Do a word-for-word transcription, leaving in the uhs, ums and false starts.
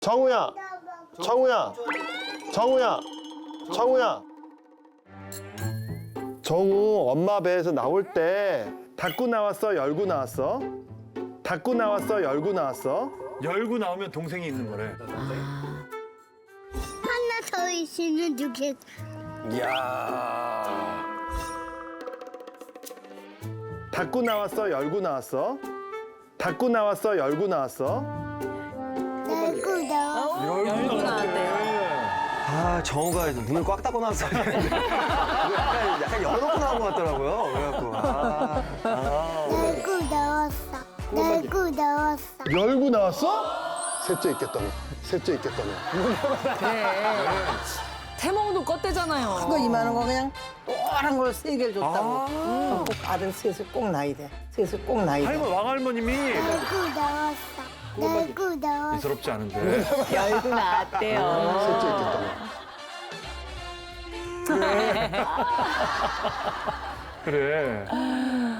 정우야, 정우야, 정우야, 정우야. 정우 엄마 배에서 나올 때 닫고 나왔어, 열고 나왔어? 닫고 나왔어, 열고 나왔어? 열고 나오면 동생이 있는 거래. 하나 더 있으면 좋겠어. 이야. 닫고 나왔어, 열고 나왔어? 닫고 나왔어, 열고 나왔어? 내고 너. 열고 나왔대요. 아, 정우가 문을 꽉 닫고 나왔어야 되는데. 약간, 약간 열어놓고 나온 것 같더라고요. 그래갖고. 아, 아. 내고 나왔어. 내고 나왔어. 열고 나왔어? 셋째 있겠다며. 셋째 있겠다며. 태몽도 껐대잖아요. 그거 이만한 거 그냥 또한 걸 세 개를 줬다고. 꼭 아들 셋을 꼭 낳아야 돼. 셋을 꼭 낳아야 돼. 할머니, 왕할머님이 내고 나왔어. 내고 나왔어. 예사롭지 않은데. 열고 나왔대요. 셋째 있겠다며. 그래.